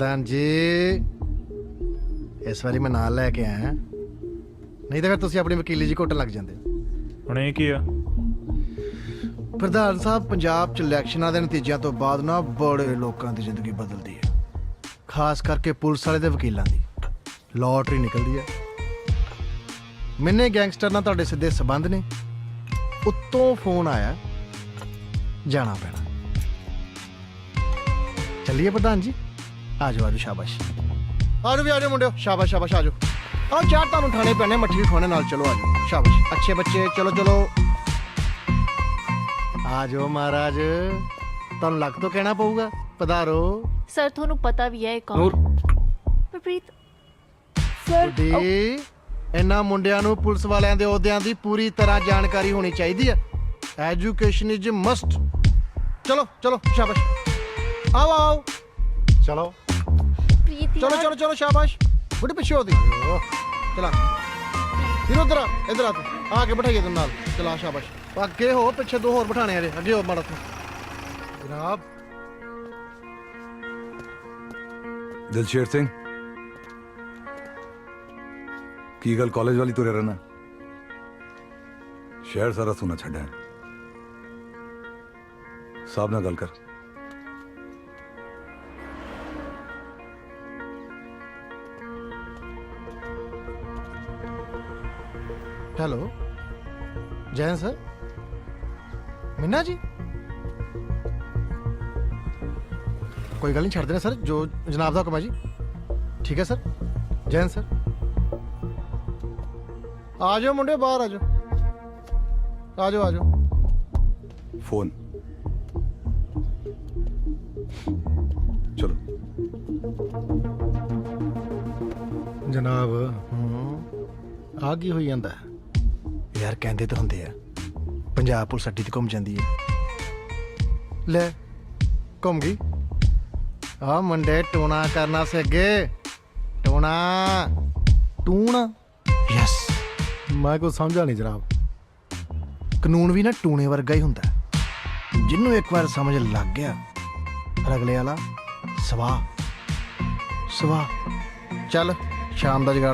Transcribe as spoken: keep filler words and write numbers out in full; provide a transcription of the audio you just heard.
प्रधान जी इस बारी मैं नाल लैके आया नहीं तो फिर तुसीं अपनी वकीली जी घुट्टन लग जांदे। ਹੁਣ ਇਹ ਕੀ ਆ? प्रधान साहब पंजाब च इलैक्शनां दे नतीजिਆਂ ਤੋਂ ਬਾਅਦ ਨਾ ਬੜੇ ਲੋਕਾਂ ਦੀ ਜ਼ਿੰਦਗੀ ਬਦਲਦੀ ਹੈ, ਖਾਸ ਕਰਕੇ ਪੁਲਿਸ ਵਾਲੇ ਤੇ ਵਕੀਲਾਂ ਦੀ ਲੋਟਰੀ ਨਿਕਲਦੀ ਹੈ। ਮੈਨੇ ਗੈਂਗਸਟਰ ਨਾਲ ਤੁਹਾਡੇ ਸਿੱਧੇ ਸਬੰਧ ਨੇ, ਉੱਤੋਂ ਫੋਨ ਆਇਆ ਜਾਣਾ ਪੈਣਾ। ਚੱਲੀਏ ਪ੍ਰਧਾਨ ਜੀ, ਆ ਜਾਓ ਆ ਜਾਓ, ਸ਼ਾਬਾਸ਼ ਆ ਜਾਓ ਵੀ ਆ ਜਾਓ ਮੁੰਡਿਓ, ਸ਼ਾਬਾਸ਼ ਸ਼ਾਬਾਸ਼ ਆ ਜਾਓ। ਆਹ ਚਾਰ ਤੁਹਾਨੂੰ ਠਾਣੇ ਪੈਣੇ, ਮੱਠੀ ਵੀ ਖਵਾਣੇ ਨਾਲ, ਚਲੋ ਆ ਜਾਓ, ਸ਼ਾਬਾਸ਼ ਅੱਛੇ ਬੱਚੇ, ਚਲੋ ਚਲੋ ਆ ਜਾਓ ਮਹਾਰਾਜ, ਤੁਹਾਨੂੰ ਲੱਗ ਤੋਂ ਕਹਿਣਾ ਪਊਗਾ ਪਧਾਰੋ। ਸਰ ਤੁਹਾਨੂੰ ਪਤਾ ਵੀ ਹੈ ਇਹ ਕੌਣ? ਨੂਰ ਪ੍ਰਪ੍ਰੀਤ ਸਰ। ਦੀ ਇਹਨਾਂ ਮੁੰਡਿਆਂ ਨੂੰ ਪੁਲਿਸ ਵਾਲਿਆਂ ਦੇ ਅਹੁਦਿਆਂ ਦੀ ਪੂਰੀ ਤਰ੍ਹਾਂ ਜਾਣਕਾਰੀ ਹੋਣੀ ਚਾਹੀਦੀ ਹੈ। Education is must. ਚਲੋ ਚਲੋ ਸ਼ਾਬਾਸ਼, ਆਓ ਆਓ, ਚਲੋ ਪ੍ਰੀਤ ਚਲੋ ਚਲੋ ਚਲੋ ਸ਼ਾਬਾਸ਼। ਬੁੱਢੇ ਪਿੱਛੇ ਹੋਦੀ ਚਲਾ ਫਿਰ ਉਧਰ ਆ, ਇੱਧਰ ਆ ਤੂੰ, ਆ ਕੇ ਬਿਠਾਈਏ ਤੈਨੂੰ ਨਾਲ, ਚਲਾ ਸ਼ਾਬਾਸ਼। ਅੱਗੇ ਹੋ, ਪਿੱਛੇ ਦੋ ਹੋਰ ਬਿਠਾਣੇ ਆ ਜੇ, ਅੱਗੇ ਹੋ ਮਾੜਾ ਤੂੰ ਜਨਾਬ। ਦਿਲਸ਼ੇਰ ਸਿੰਘ, ਕੀ ਗੱਲ ਕਾਲਜ ਵਾਲੀ ਤੁਰੇ ਰਹਿਣਾ? ਸ਼ਹਿਰ ਸਾਰਾ ਸੁਣਾ ਛੱਡਿਆ। ਸਾਹਿਬ ਨਾਲ ਗੱਲ ਕਰ। ਹੈਲੋ ਜੈਨ ਸਰ, ਮਿੰਨਾ ਜੀ, ਕੋਈ ਗੱਲ ਨਹੀਂ, ਛੱਡ ਦੇਣਾ ਸਰ, ਜੋ ਜਨਾਬ ਦਾ ਹੁਕਮ ਹੈ ਜੀ। ਠੀਕ ਹੈ ਸਰ, ਜੈਨ ਸਰ। ਆ ਜਾਓ ਮੁੰਡੇ, ਬਾਹਰ ਆ ਜਾਓ, ਆ ਜਾਓ ਆ ਜਾਓ। ਫੋਨ ਚਲੋ। ਜਨਾਬ ਆ ਕੀ ਹੋਈ ਜਾਂਦਾ ਯਾਰ? ਕਹਿੰਦੇ ਤਾਂ ਹੁੰਦੇ ਆ ਪੰਜਾਬ ਪੁਲਿਸ ਅੱਡੀ ਤੇ ਘੁੰਮ ਜਾਂਦੀ ਹੈ। ਲੈ ਘੁੰਮ ਗਈ। ਆ ਮੁੰਡੇ ਟੂਣਾ ਕਰਨਾ ਸੇ ਅੱਗੇ, ਟੂਣਾ ਟੂਣਾ ਯਸ। ਮੈਂ ਕੁਝ ਸਮਝਾ ਨਹੀਂ ਜਨਾਬ। ਕਾਨੂੰਨ ਵੀ ਨਾ ਟੂਣੇ ਵਰਗਾ ਹੀ ਹੁੰਦਾ, ਜਿਹਨੂੰ ਇੱਕ ਵਾਰ ਸਮਝ ਲੱਗ ਗਿਆ ਫਿਰ ਅਗਲੇ ਵਾਲਾ ਸਵਾਹ ਸਵਾਹ। ਚੱਲ ਸ਼ਾਮ ਦਾ ਜਗਾੜ